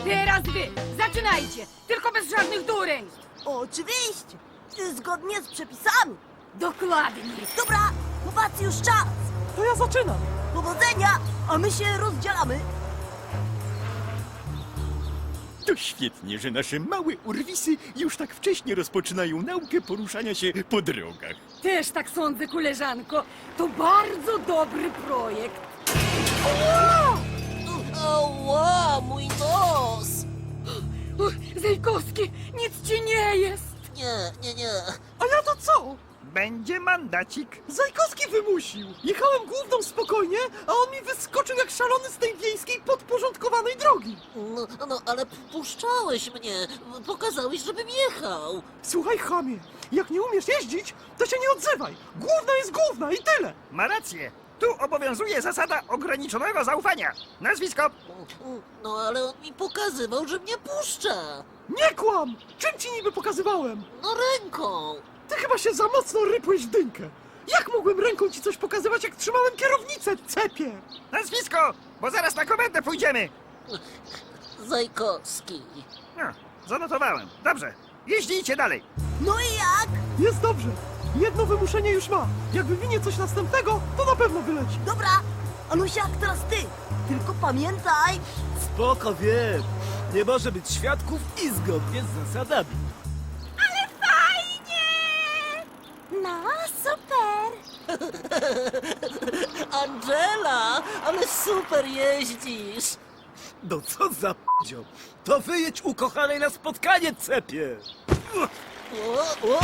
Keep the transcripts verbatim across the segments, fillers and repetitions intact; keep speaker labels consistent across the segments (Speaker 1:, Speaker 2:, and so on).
Speaker 1: teraz wy, zaczynajcie, tylko bez żadnych dureń.
Speaker 2: Oczywiście, zgodnie z przepisami.
Speaker 1: Dokładnie.
Speaker 2: Dobra, chłopacy, już czas.
Speaker 3: To ja zaczynam.
Speaker 2: Powodzenia, a my się rozdzielamy.
Speaker 4: To świetnie, że nasze małe urwisy już tak wcześnie rozpoczynają naukę poruszania się po drogach.
Speaker 1: Też tak sądzę, koleżanko. To bardzo dobry projekt.
Speaker 2: Ała, mój nos.
Speaker 1: Uch, Zajkowski, nic ci nie jest.
Speaker 2: Nie, nie, nie.
Speaker 3: A ja to co?
Speaker 4: Będzie mandacik.
Speaker 3: Zajkowski wymusił. Jechałem główną spokojnie, a on mi wyskoczył jak szalony z tej wiejskiej podporządkowanej drogi.
Speaker 5: No, no, ale puszczałeś mnie. Pokazałeś, żebym jechał.
Speaker 3: Słuchaj, chamie, jak nie umiesz jeździć, to się nie odzywaj. Główna jest główna i tyle.
Speaker 4: Ma rację. Tu obowiązuje zasada ograniczonego zaufania. Nazwisko?
Speaker 5: No, ale on mi pokazywał, że mnie puszcza.
Speaker 3: Nie kłam! Czym ci niby pokazywałem?
Speaker 5: No, ręką.
Speaker 3: Ty chyba się za mocno rypłeś w dynkę. Jak mogłem ręką ci coś pokazywać, jak trzymałem kierownicę, cepie?
Speaker 4: Nazwisko, bo zaraz na komendę pójdziemy.
Speaker 5: Zajkowski.
Speaker 4: No, zanotowałem. Dobrze, jeździcie dalej.
Speaker 2: No i jak?
Speaker 3: Jest dobrze. Jedno wymuszenie już ma. Jak wywinie coś następnego, to na pewno wyleci.
Speaker 2: Dobra, Anusiak, teraz ty. Tylko pamiętaj.
Speaker 6: Spoko, wiem. Nie może być świadków i zgodnie z zasadami.
Speaker 2: No, super.
Speaker 5: Angela, ale super jeździsz.
Speaker 6: No co za p***io. To wyjedź ukochanej na spotkanie, cepie.
Speaker 5: O, o.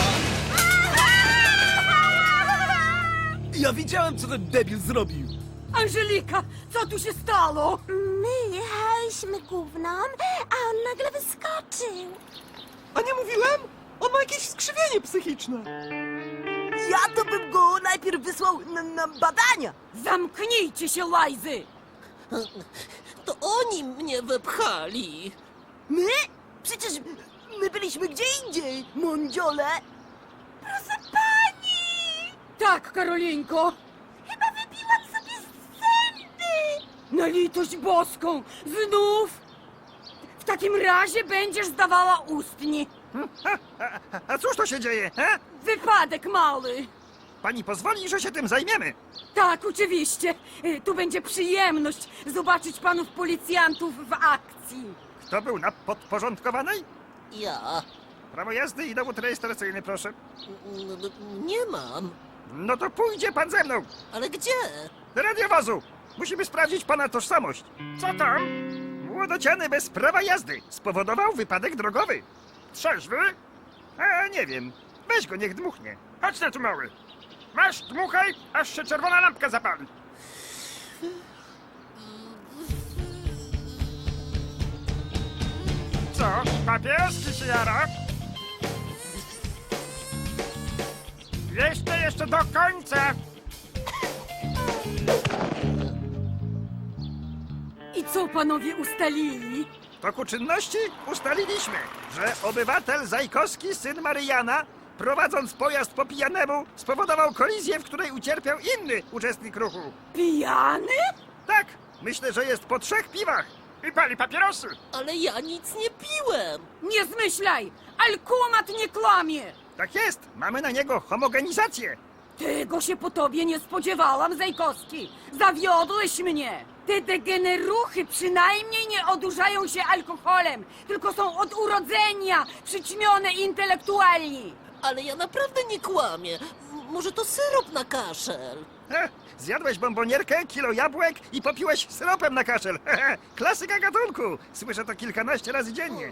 Speaker 6: Ja widziałem, co ten debil zrobił.
Speaker 1: Angelika, co tu się stało?
Speaker 2: My jechałyśmy główną, a on nagle wyskoczył.
Speaker 3: A nie mówiłem? On ma jakieś skrzywienie psychiczne.
Speaker 2: Ja to bym go najpierw wysłał na, na badania.
Speaker 1: Zamknijcie się, łajzy.
Speaker 5: To oni mnie wepchali.
Speaker 2: My? Przecież my byliśmy gdzie indziej, mądziole. Proszę pani!
Speaker 1: Tak, Karolinko.
Speaker 2: Chyba wybiłam sobie zęby.
Speaker 1: Na litość boską, znów? W takim razie będziesz zdawała ustni.
Speaker 4: A, a cóż to się dzieje, he?
Speaker 1: Wypadek mały.
Speaker 4: Pani pozwoli, że się tym zajmiemy.
Speaker 1: Tak, oczywiście. Y, Tu będzie przyjemność zobaczyć panów policjantów w akcji.
Speaker 4: Kto był na podporządkowanej?
Speaker 5: Ja.
Speaker 4: Prawo jazdy i dowód rejestracyjny, proszę.
Speaker 5: N- n- Nie mam.
Speaker 4: No to pójdzie pan ze mną.
Speaker 5: Ale gdzie?
Speaker 4: Do radiowozu. Musimy sprawdzić pana tożsamość. Co tam? Młodociany bez prawa jazdy spowodował wypadek drogowy. Trzeźwy? A nie wiem. Weź go, niech dmuchnie. Chodź na tu, mały. Masz, dmuchaj, aż się czerwona lampka zapali. Co? Papieski się jara? Jeszcze, jeszcze do końca.
Speaker 1: I co panowie ustalili?
Speaker 4: W toku czynności ustaliliśmy, że obywatel Zajkowski, syn Maryjana, prowadząc pojazd po pijanemu, spowodował kolizję, w której ucierpiał inny uczestnik ruchu.
Speaker 1: Pijany?
Speaker 4: Tak, myślę, że jest po trzech piwach. I pali papierosy.
Speaker 5: Ale ja nic nie piłem.
Speaker 1: Nie zmyślaj! Alkumat nie kłamie!
Speaker 4: Tak jest, mamy na niego homogenizację.
Speaker 1: Tego się po tobie nie spodziewałam, Zajkowski! Zawiodłeś mnie! Te degeneruchy przynajmniej nie odurzają się alkoholem, tylko są od urodzenia przyćmione intelektualni!
Speaker 5: Ale ja naprawdę nie kłamię. M- Może to syrop na kaszel.
Speaker 4: He, zjadłeś bombonierkę, kilo jabłek i popiłeś syropem na kaszel. Hehe, klasyka gatunku. Słyszę to kilkanaście razy dziennie.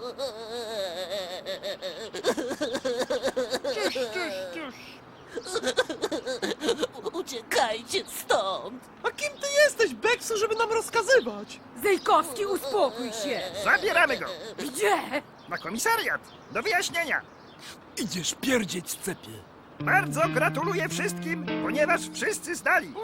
Speaker 5: Uciekajcie stąd.
Speaker 3: A kim ty jesteś, Beksu, żeby nam rozkazywać?
Speaker 1: Zajkowski, uspokój się!
Speaker 4: Zabieramy go
Speaker 1: Gdzie?
Speaker 4: na komisariat do wyjaśnienia.
Speaker 6: Idziesz pierdzieć, cepie.
Speaker 4: Bardzo gratuluję wszystkim, ponieważ wszyscy zdali.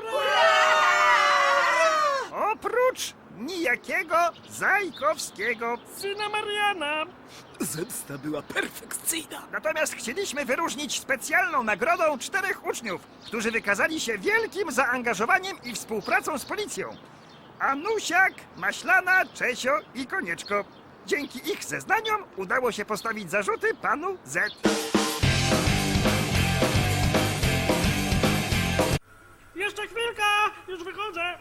Speaker 4: Oprócz nijakiego Zajkowskiego. Syna Mariana.
Speaker 6: Zemsta była perfekcyjna.
Speaker 4: Natomiast chcieliśmy wyróżnić specjalną nagrodą czterech uczniów, którzy wykazali się wielkim zaangażowaniem i współpracą z policją. Anusiak, Maślana, Czesio i Konieczko. Dzięki ich zeznaniom udało się postawić zarzuty panu Z.
Speaker 7: Jeszcze chwilkę! Już wychodzę!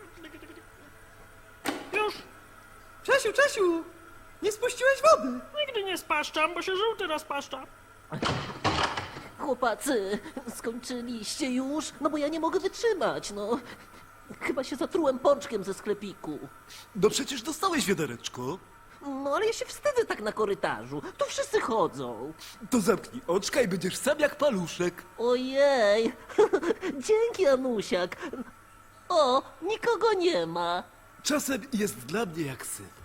Speaker 7: Już!
Speaker 3: Czesiu, Czesiu! Nie spuściłeś wody!
Speaker 7: Nigdy nie spaszczam, bo się żółty rozpaszcza.
Speaker 5: Chłopacy, skończyliście już? No bo ja nie mogę wytrzymać, no. Chyba się zatrułem pączkiem ze sklepiku.
Speaker 6: No przecież dostałeś wiadereczko.
Speaker 5: No ale ja się wstydzę tak na korytarzu. Tu wszyscy chodzą.
Speaker 6: To zamknij oczka i będziesz sam jak paluszek.
Speaker 5: Ojej. Dzięki, Anusiak. O, nikogo nie ma.
Speaker 6: Czasem jest dla mnie jak syn.